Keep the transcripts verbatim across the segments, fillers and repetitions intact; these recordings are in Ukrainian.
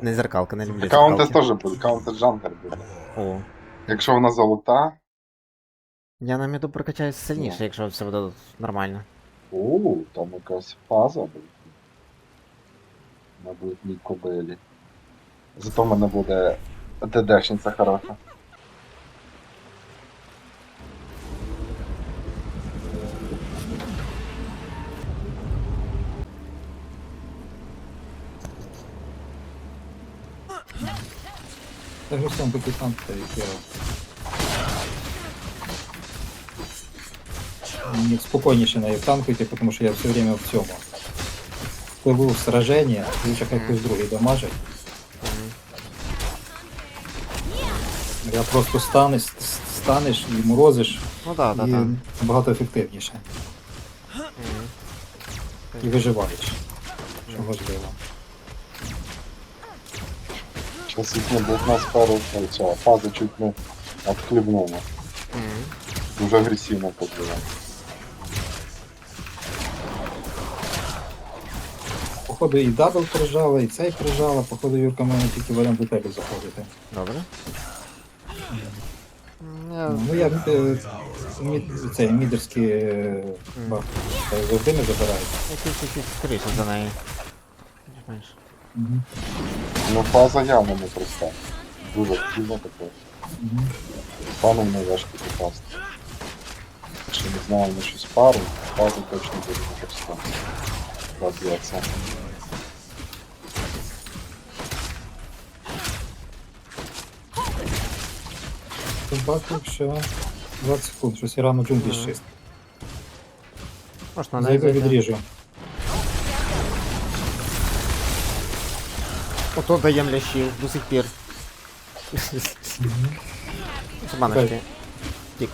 Не зеркалка, не люблю Каунтес зеркалки. теж буде, Каунтес Джангер буде. О. Якщо вона золота. Я на міду прокачаюсь сильніше, Ну. якщо все буде нормально. О, там якась фаза буде. На бледній кобилі. Зато в мене буде ДДшниця хороша. Так же сам капитан стоит, я... Мне спокойнейше на танкуйте, потому что я все время в цьому. Пливу в сраження, лучше хай хтось другий дамажить. Я просто станеш, станеш і морозиш, Ну так, так, і так. набагато ефективніше. І виживаєш, що важливо. Сейчас їхня блокна сферу, ця фаза чуть не отхлебнула. Дуже агресивно подбила. Походу і дабл прижала, і цей прижала, походу Юрка мене тільки варіант до тебе заходити. Добре. Я... Ну я е, мід, цей мідерський е, баф е, завжди не забираю. Якийсь скоріше за неї. Знаєш. Угу. Ну фаза явно не проста. Дуже активно таке. Угу. Паном не важко попасти. Якщо не знаємо щось пару, фаза точно буде не проста. Розб'ється. Бачу, що двадцять секунд, щось я рано джунглі Ага. щист. Можна не Зайду зайти. відріжу. Ото даєм лящів до сих пір. Це баночки. Тік.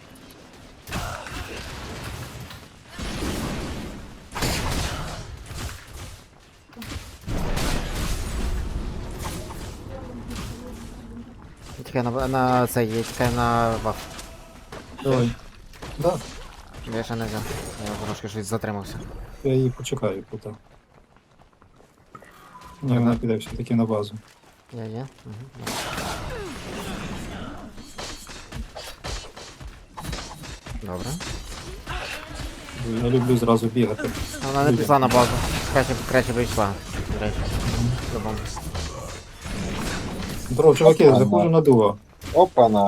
Я тікаю на, на цей, я тікаю на баф. Давай. Да, Я ще не взяв. Я трошки щось затримався. я її почекаю тут. Ні, вона піде все-таки на базу. Я є. Угу. Добре. Я люблю зразу бігати. Вона не пішла на базу. Краще, краще би йшла. До речі. По-любому. Здорово, чуваки, Ага. заходжу на дуо. Опа-на.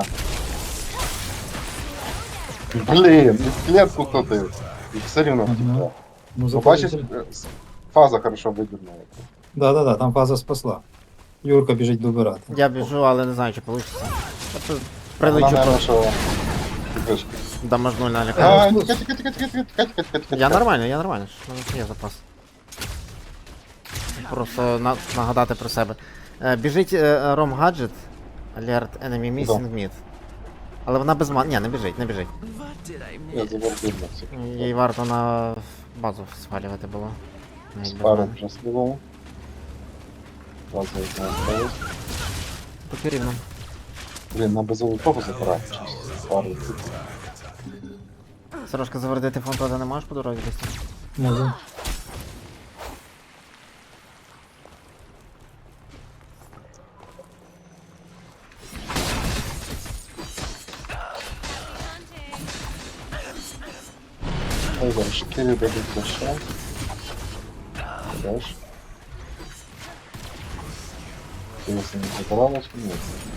Блін, і клетку ходив. І все рівно Ага. втекла. Ну, Ну, бачиш, заходжу. е, фаза хорошо видірнула. Да-да-да, там фаза спасла. Юрка біжить добирати. Я біжу, але не знаю, чи вийде. Вона, Прилечу наверное, просто. що... Вишки. Дамажну на А, лякаю. тікай, тікай, тікай, тікай, тікай, тікай, тікай, тікай. Я нормально, я нормально. У мене ще є запас. Просто на, нагадати про себе. Е, біжить е, Ром Гаджет. Alert enemy missing mid. Але вона без ман. Ні, не біжить, не біжить. Я завербив на всіх. Їй варто на базу свалювати було. Навіть без Пару мене. вже слідово. Фаза одна осталась. Поки рівно. Блін, на беззолотого забирати. Пару. Сорожка, завердити фонтони не можеш по дорозі десь? Можу. Ой, зараз шкірі дадуть лише. Даш. Ти ось не забиралась? Ні.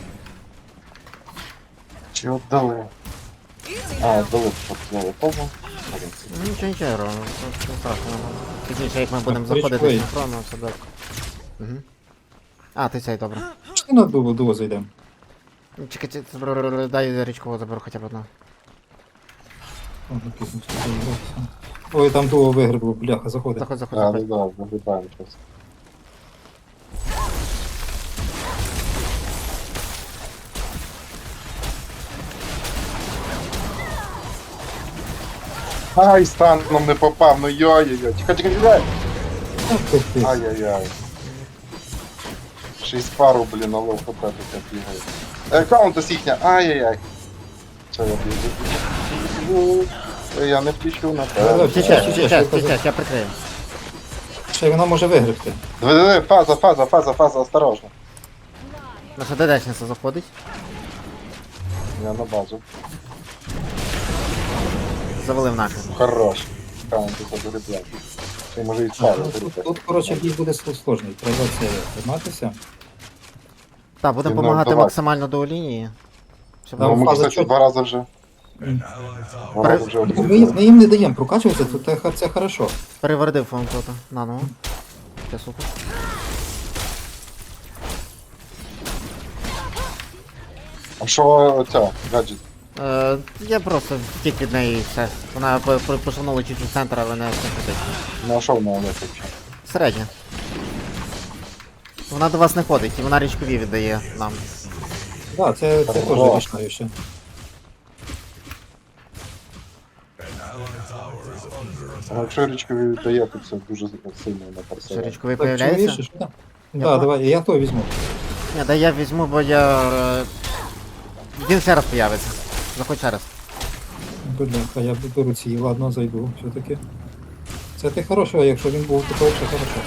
Чи віддали? А, віддали золотого. Ну нічого, нічого, Ром, це не страшно. Пізніше, як ми будемо Так, заходити річкою. синхронно, все добре. Угу. А, ти цей, добре. Чи на дуо, дуо зайдемо? Чекайте, дай річкову заберу хоча б одну. Ага, пізно, що там робиться. Ой, там дуо вигрибло, бляха, заходить. Заходь, заходь, А, ну заходь. да, вигрібаємо щось. Ай, станом не попав, ну йой-йой-йой. Тікай, тікай, тікай. Ах ти ти. Ай-яй-яй. Шість пару, блін, на лов хп таке бігає. Е, Каунтес їхня, ай-яй-яй. Що я біжу? Е, Я не втічу на Да-да, те. втічеш, Сейчас, втічеш, сейчас, я казав. сейчас, я прикрию. Ще й вона може вигребти. Диви, диви, фаза, фаза, фаза, фаза, осторожно. Наша ДДшниця заходить. Я на базу. Завалив нахер. Хорош. Каунт за доріблянки. Це може і А, царю. ну, тут, тут, коротше, бій буде сложний. Треба це триматися. Так, будемо Ну, допомагати давай. максимально до лінії. Щоб Да, Ну, ми, фаза кстати, чот- два рази вже. М. Два рази вже Ми, об'їхали. ми їм не даємо прокачуватися, то це, це хорошо. перевердив фаунтота. На ну. Це супер. А що ця, гаджет? Е, я просто втік від неї і все. Вона по- по- пошанула чуть в центр, але не все критично. Ну а що вона летить взагалі? Середня. Вона до вас не ходить, і вона річкові віддає нам. Так, да, це, це теж Хорош. рішаюче. А якщо річкові віддає, то це дуже сильно на Що персонаж. річковий Так, появляється? чуєш, що? Так, Я да, по- давай, я то візьму. Ні, да я візьму, бо я. е, Він ще раз появиться. Заходь ще раз. Бляха, я беру ці, ладно, зайду, все-таки. Це ти хорошого, якщо він був такий, що хорошо.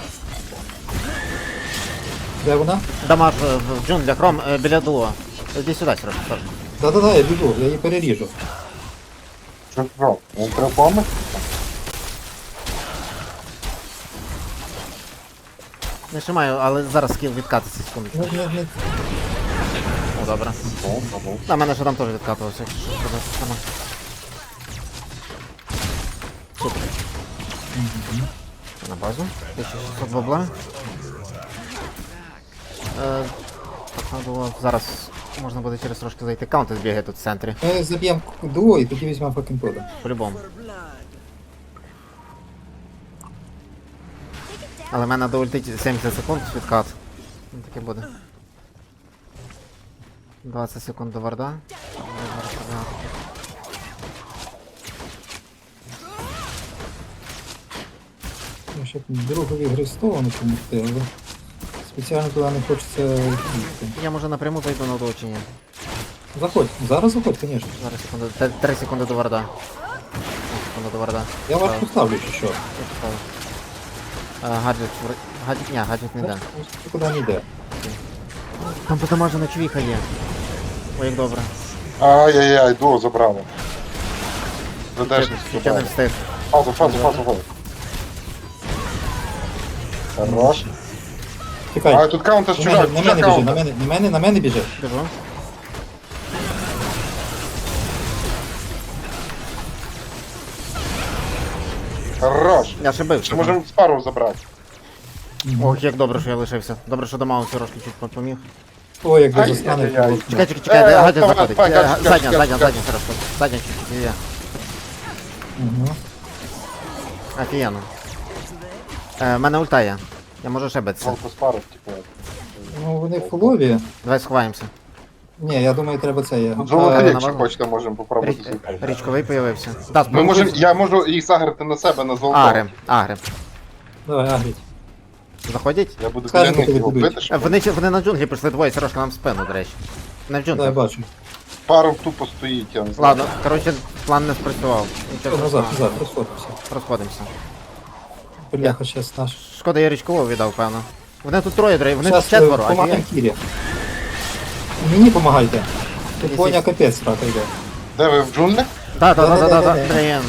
Де вона? Дамаж е, в джунглях, Ром, е, біля дуо. Іди сюди, Сереж, Сереж. Да-да-да, я біду, я її переріжу. Що що? Він треба помити? Не шимаю, але зараз скіл відкатиться секундочку. Ну, не, не... О, добре. О, ага. На мене ще там теж відкатувався, якщо що сказати саме. Супер. На базу. тисяча шістсот бабла. Е, так, надо було зараз можна буде через трошки зайти. Каунти збігає тут в центрі. Ми заб'ємо дуо і тоді візьмемо факінтода. По-любому. Але в мене до ультить сімдесят секунд відкат. Ну, таке буде. двадцять секунд до варда. Ну, щоб другові гри сторону помогти, але спеціально туди не хочеться їхати. Я може напряму зайду на оточення. Заходь, зараз заходь, звісно. Зараз секунду. Т- Три секунди до варда. Три секунди до варда. Я вас Так, поставлю чи що. я поставив. Е, Гаджет. вр- Гаджет. Ні, гаджет не йде. Нікуди не йде. Там потамажена чвіха є. Ой, як добре. Ай-яй-яй, дуо забрали. Задешність Чуть я не забрали. встиг. Фазу, фазу, фазу, фазу. Хорош. А, Тікай. тут каунтер На чужак, мене, на чужак мене біжи, на каунтер. мене, на мене, на мене біжи. Біжу. Хорош. Я ще бив. Ще можемо з пару забрати. Ох, як добре, що я лишився. Добре, що до Маусі трошки чуть поміг. Ой, як Ай, дуже стане. ай-яй-яй. Чекай, чекай, чекай, Е, де гаджет давай, заходить. давай, Е, гаджет, Задня, гаджет, задня, гаджет. задня, зараз. Задня чуть-чуть є. Угу. Офігенно. Е, в мене ульта є. Я можу ще битися. Жалко з пару, типу. Ну, вони фулові. Давай сховаємося. Ні, я думаю, треба це. Я... Золотий, на якщо базу. хочете, можемо попробувати Річ- зайти. Річковий появився. Да, Ми можемо, я можу їх заграти на себе, на золото. Агри, агри. Давай, агріть. Заходять? Я буду Скажемо, біля них коли його будуть. бити, Е, щоб Вони, чи- вони на джунглі прийшли двоє, Сережка нам в спину, до речі. Не в Да, я джунглі. бачу. пару тупо стоїть, я не знаю. Ладно, коротше, план не спрацював. Нічого Назад, страшного. назад, розходимося. Розходимося. Бляха, щас наш. Шкода, я річкового віддав, певно. Вони тут троє, дорогі, вони тут Щас е, четверо, а помагаємо Кірі. Мені помагайте. Тут Ні, Боня сі- капець рака йде. Де ви в джунглях? Да, да, да, да, да, да, Да-да-да-да. блін.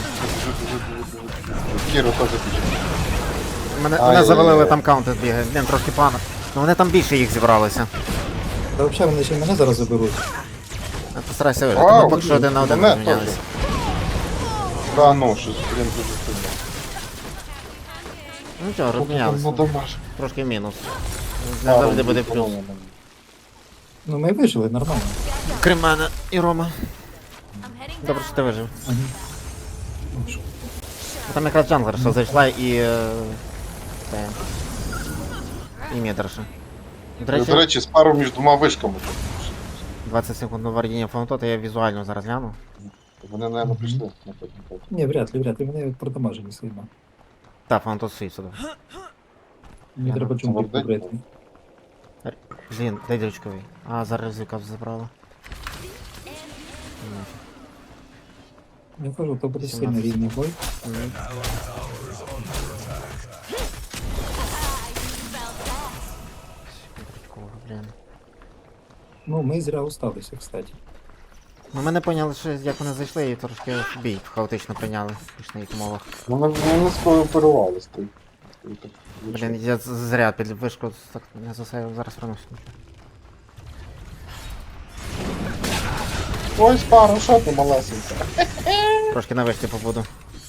Кіру теж біжить. Мене, Ай, мене ай, завалили, ай. там каунти бігає. Блін, трошки пана. Ну вони там більше їх зібралося. Та взагалі вони ще й мене зараз заберуть. А Постарайся вижити. Вау, Ми поки що один на один мене розмінялися. теж. Да ну, щось, блін, дуже сильно. Ну чого, Ну розмінялися. домаш. Трошки мінус. Не завжди буде плюс. Ну ми вижили, нормально. Крім мене і Рома. Добре, що ти вижив. Ага. Ну, що? Там якраз джанглерша зайшла і... е, Це... І мідерша. До До речі, речі, з пару між двома вишками. двадцять секунд на вардіння фаунтота, я візуально зараз гляну. Вони, мабуть, прийшли. напевно. Ні, вряд ли, вряд ли, вони продамажені сильно. Та, фаунтот стоїть сюди. Мені Ага, треба це джунглі вардень. побрити. Блін, дай дрючковий. А, зараз ризика забрала. Я кажу, то буде сімнадцять. сильно рівний бой. Ні. Блін. Ну, ми зря усталися, кстати. Ну ми не поняли, що як вони зайшли і трошки бій хаотично прийняли в смішних умовах. Ну, Вони, вони скооперувались. Ти, ти, так, Блін, я з- зря під вишку так не засейвив, зараз вернусь. Ой, спару, що ти малесенька? Трошки на вишці побуду.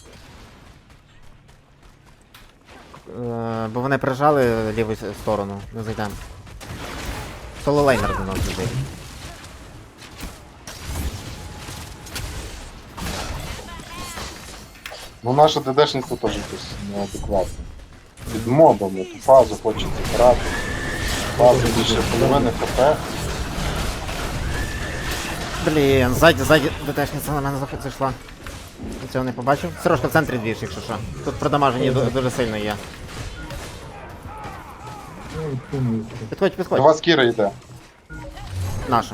Е, бо вони прижали ліву с- сторону, не зайдемо. Соло лейнер до нас біжить. Ну наше ДДшництво теж якось неадекватне. Під мобами ту фазу хочеться грати. Фазу більше половини хп. Блін, ззаді, ззаді ДТшниця на мене заход зайшла. Я цього не побачив. Сережка в центрі двіж, якщо що. Тут продамажені ду- дуже сильно є. Ну, думаю, Підходь, До підходь. вас Кіра йде. Наша.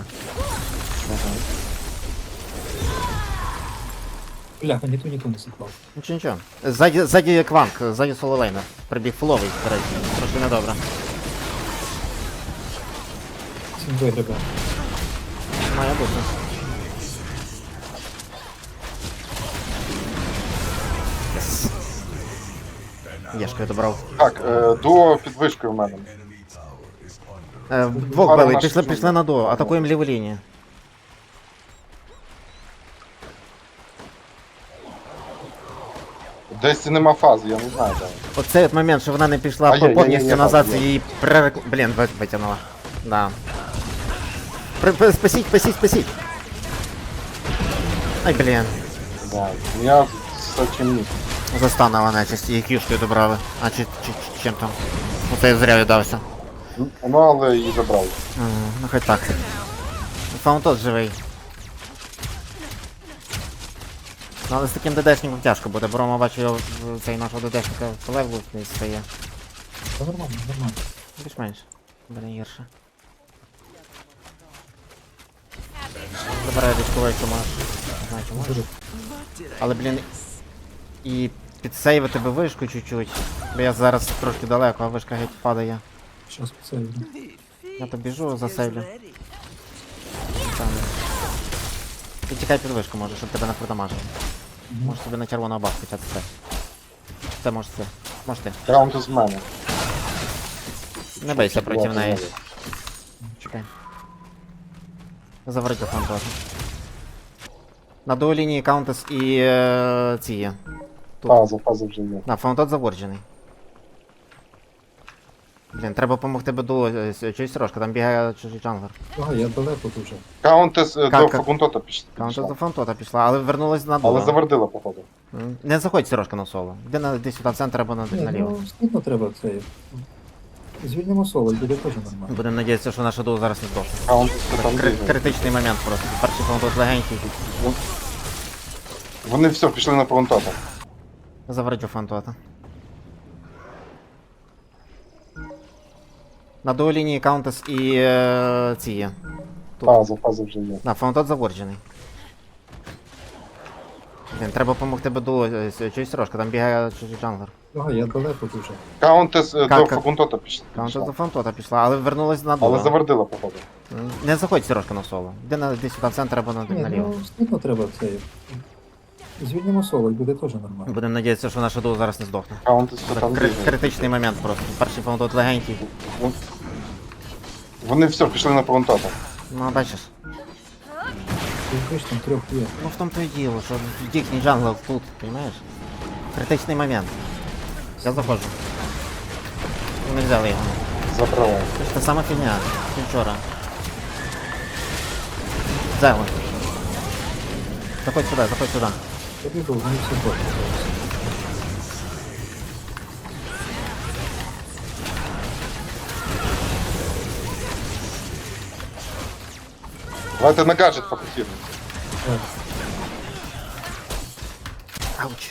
бляха, ніхто нікому не сіклав. Нічого, нічого. Ззаді, ззаді кванк, ззаді соло лейнер. Прибіг фуловий, до речі. Трошки недобре. Всім вигребе. Має бути. Єс. Єшкою добрав. Так, е, дуо під вишкою в мене. Е, двох Пара били, наша пішли, чудна. пішли на дуо, атакуємо ліву лінію. Десь нема фази, я не знаю де. Оцей от момент, що вона не пішла А є, є, є, повністю є, назад, є. це її пререк... Блін, ви- витягнула. Да. При, при, спасіть, спасіть, спасіть. Ай, блін. Да. Я з таким ні. Застанова нечисть, її кішкою добрали. А чи, чи, чи чим там? Оце я зря віддався. Ну але і забрали. Ага, ну хоч так. Фаунтот живий. Ну, але з таким ДДшником тяжко буде, бо Рома бачу його в- цей нашого ДДшника по левелу не стає. Та нормально, нормально. Більш-менш. Буде гірше. Забираю військовий, що можеш. Не знаю, чи можеш. Дуже. Але, блін, і підсейвити би вишку чуть-чуть. Бо я зараз трошки далеко, а вишка геть падає. Щас посейвлю. Я то біжу, засейвлю. Там. І тікай під вишку може, щоб тебе не продамажили. Може тобі на червоного бабку хоча це. Це може це. Може ти. Раунд з мене. Не бийся проти Ладно, неї. ладно. Чекай. Заварить фантози. На дуолінії Каунтес і е, ці є. Тут. Фаза, фаза вже є. На, фаунтот заворджений. Блін, треба допомогти Беду, чуєш, Сережка, там бігає чужий джанглер. Ага, я далеко дуже. Каунтес е, Как- до как? факунтота пішла. Каунтес до фаунтота пішла, але вернулась на дуо. Але завердила, походу. М, Не заходь, Сережка, на соло. Іди на десь сюди в центр або на, Ні, наліво. ну, стидно треба це. Звільнимо соло, і буде теж нормально. Будемо надіятися, що наша дуо зараз не здохне. Каунтес там Кри- бігає. критичний момент просто. Перший фаунтот легенький. Вони все, пішли на факунтота. Заварить фаунтота. На дуолінії Каунтес і е, ці є. Тут. Фаза, фаза вже є. На, фаунтот заворджений. Блін, треба допомогти Беду, чуєш, Сережка, там бігає чужий джанглер. Ага, я далеко дуже. Каунтес е, Как- до как? факунтота пішла. Каунтес до фаунтота пішла, але вернулась на дуо. Але завердила, походу. М, Не заходь, Сережка, на соло. Іди на десь сюди в центр або на, Ні, наліво. ну, стидно треба це. Звільнимо соло, і буде теж нормально. Будемо надіятися, що наша дуо зараз не здохне. Каунтес Це там кри- бігає. критичний момент просто. Перший фаунтот легенький. Вони все, пішли на факунтота. Ну, бачиш. Ти ж там трьох є. Ну в тому то і діло, що їхній джангл тут, розумієш? Критичний момент. Я заходжу. Ми взяли його. Забрала. Це ж та сама фігня, що вчора. Взяли. Заходь сюди, заходь сюди. Тобі був, вони всі добре. Давайте на гаджет фокусируємо. Так, Ауч.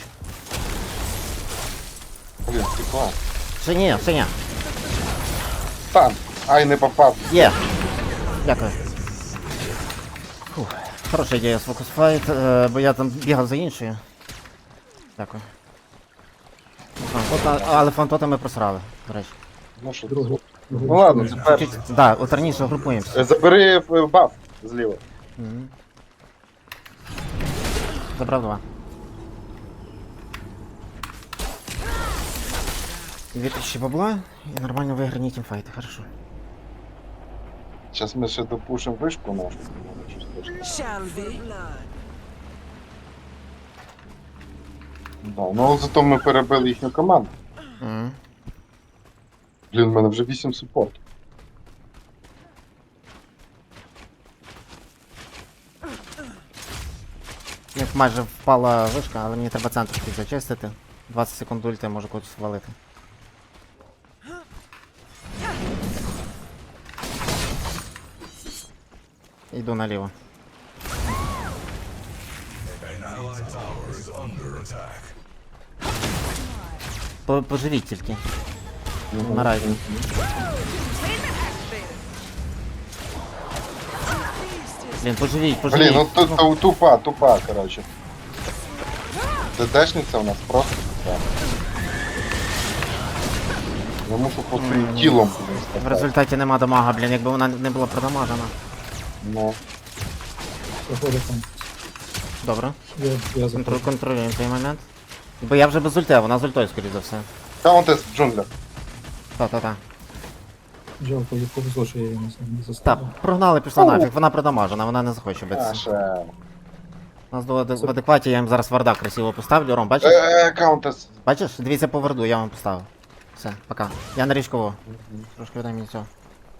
Блін, стекла. Ще ні, ще ні. Стан. Ай, не попав. Є. Дякую. Фух. Хороша ідея з Focus Fight, е, бо я там бігав за іншою. Дякую. Фантота, але фантота ми просрали, до речі. Ну що, другий. Ну ладно, це перше. Чуть, да, от раніше групуємося. Е, Забери е, баф зліва. Мгм. Забрав два. Дві тисячі бабла і нормально виграні тімфайти, хорошо. Зараз ми ще допушимо вишку нашу. може, щось точно. Shall we? Да, ну зато ми перебили їхню команду. Мгм. Блін, в мене вже вісім супортів. Як майже впала вишка, але мені треба центр тут зачистити. двадцять секунд ульти, можу когось свалити. Йду наліво. По- Поживіть тільки. Вмирайте. Блін, поживіть, поживіть. Блін, ну тут ту, тупа, тупа, коротше. ДДшниця у нас просто тупа. Я мушу по своїм тілом блін, В стати. результаті нема дамага, блін, якби вона не була продамажена. Ну, Проходить там. Добре. Я, я Контроль, заходжу. контролюємо цей момент. Бо я вже без ульти, а вона з ультою, скоріш за все. Каунтес в джунглях. Та-та-та. Жалко, їх повезло, що я її не, не Так, заставив. прогнали, пішла нафіг, вона продамажена, вона не захоче битися. Наша. У нас до в адекваті, я їм зараз варда красиво поставлю. Ром, бачиш? Е, Каунтес. Бачиш? Дивіться по варду, я вам поставив. Все, пока. Я на річкову. Трошки віддай мені цього.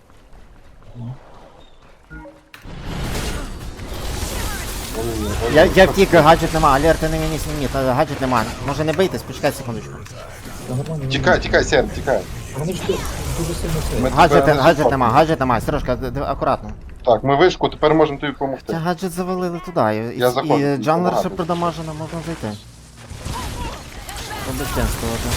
Я, я втік, гаджет нема, алерти не мені ні, та гаджет нема. Може не бийтесь, почекайте секундочку. Та нормально. Тікай, тікай, Серм, тікай. Вони ж тут дуже сильно це. Ми- Гаджет, тебе не гаджет support. нема, гаджет нема, Сережка, д- д- акуратно. Так, ми вишку, тепер можемо тобі Ця допомогти. гаджет завалили туди, і, Я заходжу, і тут джанглер ще багато. продамажено, можна зайти. Обещенствувати.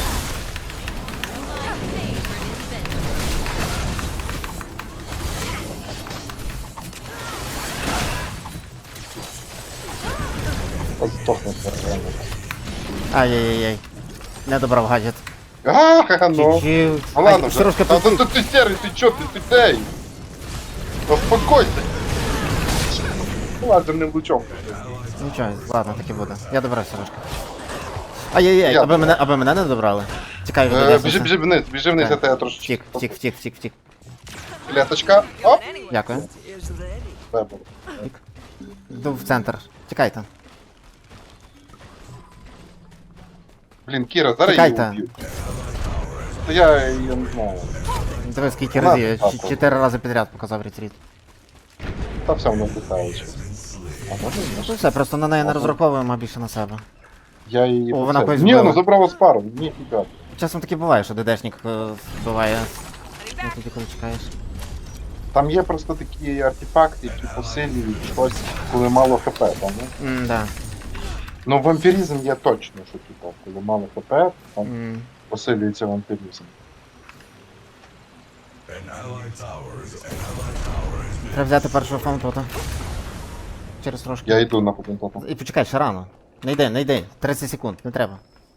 Здохне реально. Ай-яй-яй. Не добрав гаджет. А, ха, ну. Чуть-чуть. Ну ладно Ай, вже. Сережка, Та тут... ти, ти серий, ти чо, ти, ти цей? Успокойся. Лазерним лучом. Нічого, ладно, таки буде. Я добрав, Сережка. Ай-яй-яй, Я аби мене, аби мене не добрали. Тікай від Е, Одеси. Біжи, біжи вниз, біжи вниз, я Так. тебе трошечки. Втік, втік, втік, втік, втік. Клеточка. Оп. Дякую. Is ready. Бебо. Йду в центр. Тікайте. Блін, Кіра, зараз Тікайте. її уб'ю. Та я, я не знаю. Диви, скільки Ладно, разів, я так, ч- так. чотири рази підряд показав ретріт. Та все воно питаючи. А можна Ну ні? все, просто на неї не Ага. розраховуємо, а більше на себе. Я її... О, по вона це- когось Ні, збила. ну забрала з пару. Ні, фіга. Часом таки буває, що ДДшник е, вбиває. Ну, тоді коли чекаєш. Там є просто такі артефакти, які посилюють щось, коли мало хп, там, ну? М, да. Ну, вампіризм є точно, що типу, коли мало хп, там М. посилюється вампіризм. Треба взяти першого фаунтота. Через трошки. Я йду на потенцію. І почекай, ще рано. Не йди, не йди. тридцять секунд, не треба.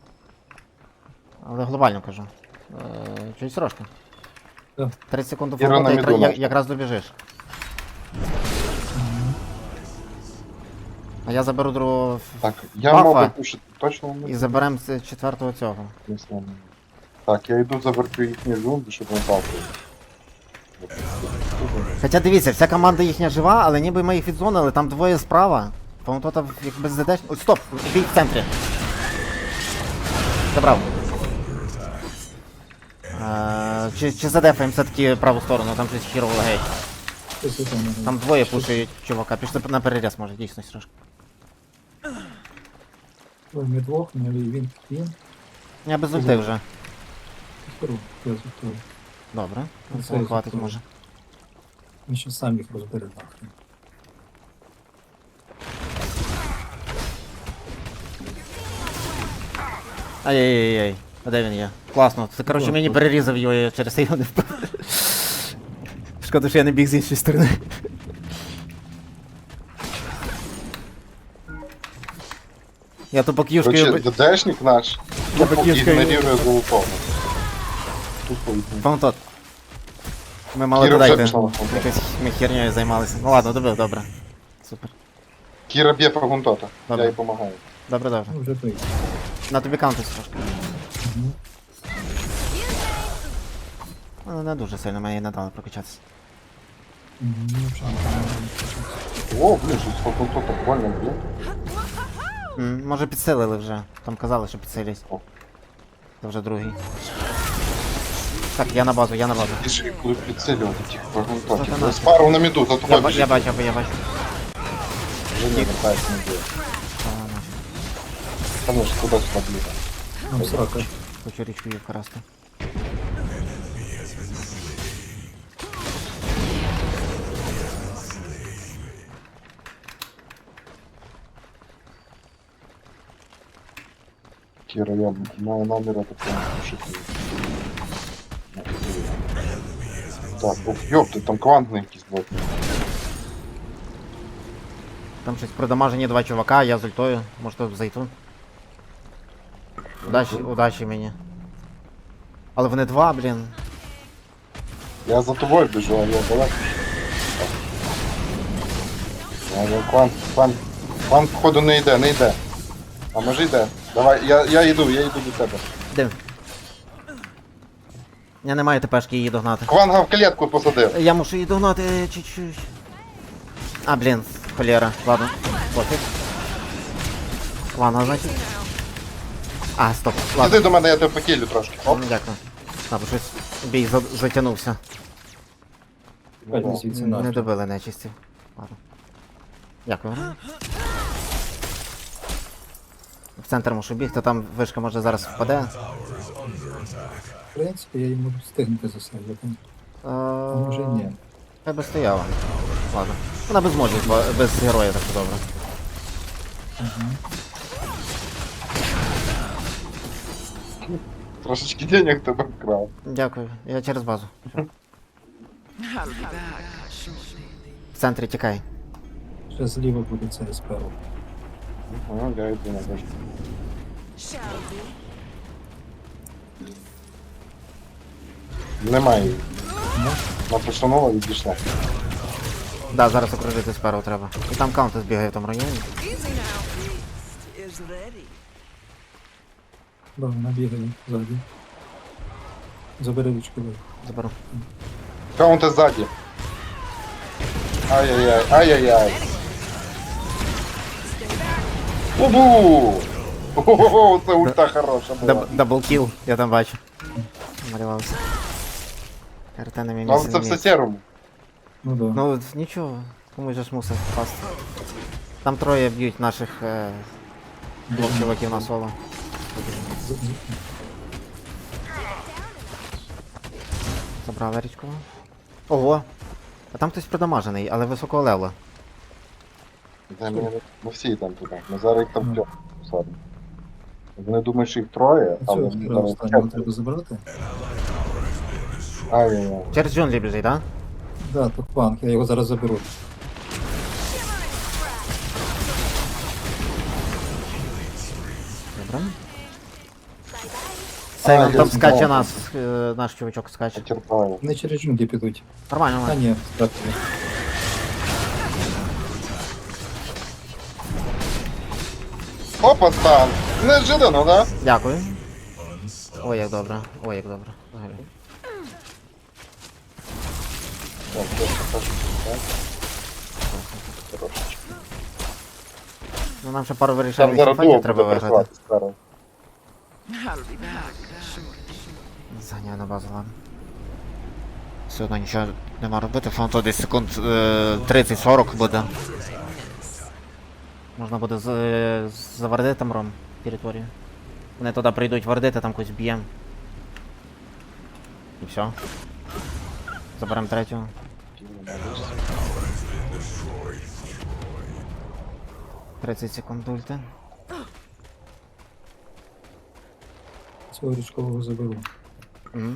Але глобально кажу. Е, чуть трошки. Так. тридцять секунд до Іра на фаунтота, міду якра- я- наша. якраз добіжиш. А я заберу другого ф- Так, я Бафа. можу пушити точно і не заберем з четвертого цього. знаю. Так, я йду завертю їхні зумби, щоб не бавили. Хоча дивіться, вся команда їхня жива, але ніби ми їх відзонили, там двоє справа. Фаунтота як без ЗД. Ой, стоп! Бій в центрі. Забрав. Е, чи, чи задефаємо все-таки праву сторону, там щось хірово лагає. Ось це там. Там двоє пушують чувака, пішли на переріз, може, дійсно трошки. Ой, ми двох, ми він, він. Я без ульти вже. Скоро, я звітую. Добре, Ну, цього це хватить я може. Він ще сам їх розбере нахрен. Ай-яй-яй-яй. А де він є? Класно. Це, коротше, Класно. мені перерізав його, я через це його не впав. Шкода, що я не біг з іншої сторони. Я тупо к'юшкою... Короче, ДДшник наш Я тупо покинув скорее. ігнорує золотого. Тупо ігнорує. Фаунтот. Ми мали Кіра вже додати. пішла на фронт. Якось ми хернею займалися. Ну ладно, добив, добре. Супер. Кіра б'є фрагунтота. Добре. Я їй допомагаю. Добре, добре. Ну, вже той. На тобі каунтись трошки. Мгм. Ну, не дуже сильно, мені не дали прокачатися. Мгм, ну, вже не О, блін, щось фрагунтота больно б'є. М, Може підсилили вже. Там казали, що підсилять. О. Це вже другий. Так, я на базу, я на базу. І ж їх будуть підсилювати тих фрагунтотів. Сатана. Спару на міду, за Я, тобою ба- я біжить. бачу, я, я бачу. Вже не вертається, не б'є. А, на. Там ж туди-сюди б'є. Там срака. Хочу річку її вкрасти. Кіра, я маю наміри такого пошити. Так, ух, ёпти, там квантний якийсь блок. Там щось продамажені два чувака, я з ультою. Може тут зайду. Удачі, удачі мені. Але вони два, блін. Я за тобою біжу, а я далеко. Я, я, квант, квант, квант походу не йде, не йде. А може йде? Давай, я, я йду, я йду до тебе. Де? Я не маю тепешки її догнати. Кванга в клітку посадив. Я мушу її догнати е, чуть-чуть. А, блін, холєра. Ладно, пофіг. Ладно, значить. А, стоп, ладно. Іди до мене, я тебе покілю трошки. Оп. Ну, дякую. А, бо щось бій за- затягнувся. Пальці Ну, звідси Не нахер. добили нечисті. Ладно. Дякую. В центр мушу бігти, там вишка може зараз впаде. В принципі, я йому встигнути засадити. А А може ні. Хай би стояла. Ладно. Вона без може, без героя так добре. Трошечки денег тебе вкрав. Дякую, я через базу. В центрі тікай. Ще зліва буде це сперу. Ага, я йду на башку. Немає її. Вона постанова відійшла. Да, зараз окружити сперу треба. І там каунти збігає в тому районі. Да, вона бігає ззаді. Забери ручку. ви. Заберу. Каунти ззаді. Ай-яй-яй, ай-яй-яй. Убу! Ого, це ульта хороша була. Даб- Даблкіл, я там бачу. Малювався. РТ на мій Але місці це не все міг. серому. Ну да. Ну нічого, комусь же ж мусить впасти. Там троє б'ють наших е, двох чуваків на соло. З- з- Забрав річку. Ого! А там хтось продамажений, але високого левела. Де ми, ми всі там туди. Ми зараз їх там п'ять посадимо. Вони думають, що їх троє, але Цього вони сперу зараз останнього четверо. треба забрати. Ай-яй-яй. Через джунглі біжить, так? Да, то панк, я його зараз заберу. Добре. Сейвен, я там знав. скаче нас, е, наш чувачок скаче. Потерпаю. Вони через джунглі підуть. Нормально, А нормально. ні, спрятали. Опа, стан! Неожиданно, да? Дякую. Ой, як добре, ой, як добре. Взагалі. Так, я покажу, так. Трошечки. Ну нам ще пару Там вирішальних зараз дуо файтів буде треба виграти. працювати сперу. Заганяю на базу, ладно. Все одно нічого нема робити, фронту десь секунд е, тридцять-сорок буде. Можна буде з, е, завардити там ром територію. Вони туди прийдуть вардити, там когось б'єм. І все. Заберемо третього. тридцять секунд ульти. Цього річкового заберу. Мгм.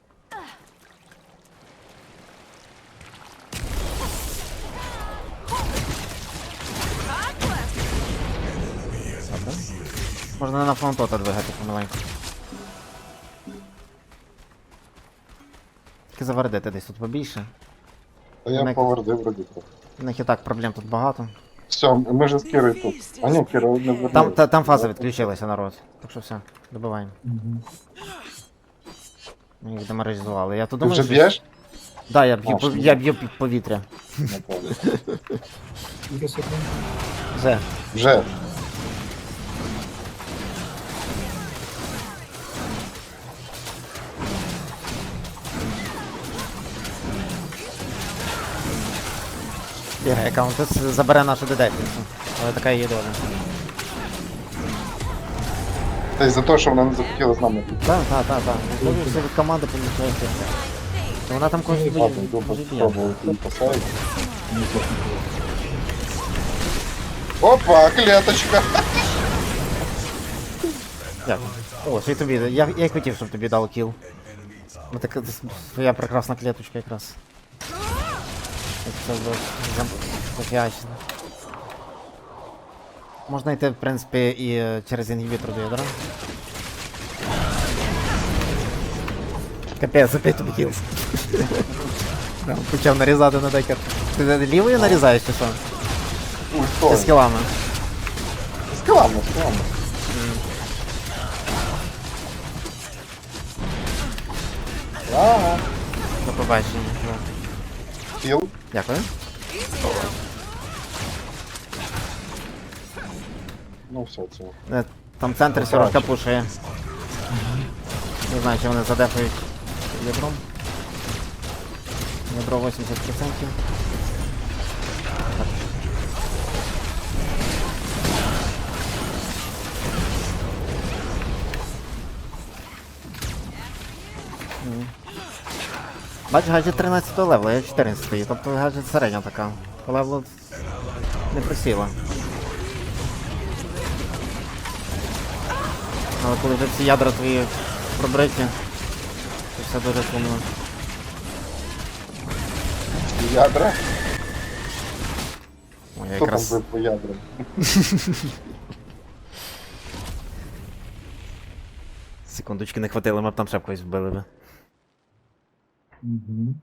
Добре. Можна на фронтота двигати помаленьку. Тільки тільки завардити десь тут побільше. Та я Ми- повердив вроді трохи. У них і так проблем тут багато. Все, ми ж з Кірою тут. А ні, Кіра не вернув. Там, та, там фаза відключилася, народ. Так що все, добиваємо. Угу. Ми їх деморалізували. Я тут Ти думаю, вже що- б'єш? Да, я б'ю, А, пов- що? я б'ю під повітря. Напевно. Скільки секунд? Вже. Вже. Бігає аккаунт, тут забере нашу дедекницю. Але така її доля. Та й за те, що вона не захотіла з нами піти. Так, так, так, так. Можливо, все від команди помічається. Вона там кожен бій. Ладно, йду може, б'є. попробувати її поставити. Мені теж не було. Опа, клеточка! Дякую. О, що й тобі. Я, я й хотів, щоб тобі дав кіл. Ну так своя прекрасна клеточка якраз. Як все було зам- зафіачено. Можна йти, в принципі, і е, через інгібітор до ядра. Капець, опять тобі кіл. Прям почав нарізати на декер. Ти лівою нарізаєш чи що? Ой, Ти хто? з кілами. З килами, з килами. Ага. До побачення. Да. Кіл. Дякую. Ну все, це. Е, Там центр сіровка пушує. Не знаю, чи вони задефають ядром. Ядро вісімдесят відсотків. М. Бач, гаджет тринадцятого левела, я чотирнадцятий, тобто гаджет середня така. По левелу не просіла. Але коли вже всі ядра твої пробриті, то все дуже сумно. Ядра? Ой, я Хто там якраз... бив по ядрам? Секундочки не хватило, ми б там ще б когось вбили би. Угу.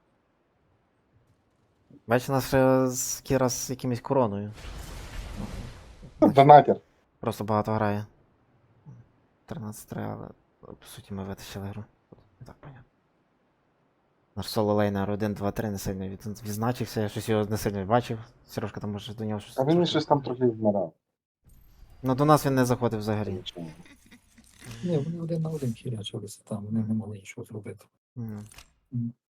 Бачиш, у нас ще з Кіра з якимось короною. Донатер. Просто багато грає. тринадцять три, але по суті ми витащили гру. Не так понятно. Наш соло лейнер один, два, три не сильно від... відзначився, я щось його не сильно бачив. Сережка там може до нього щось. А він щось там трохи вмирав. Ну до нас він не заходив взагалі. Нічого. Ні, вони один на один хірячилися там, вони не могли нічого зробити. М. Мгм.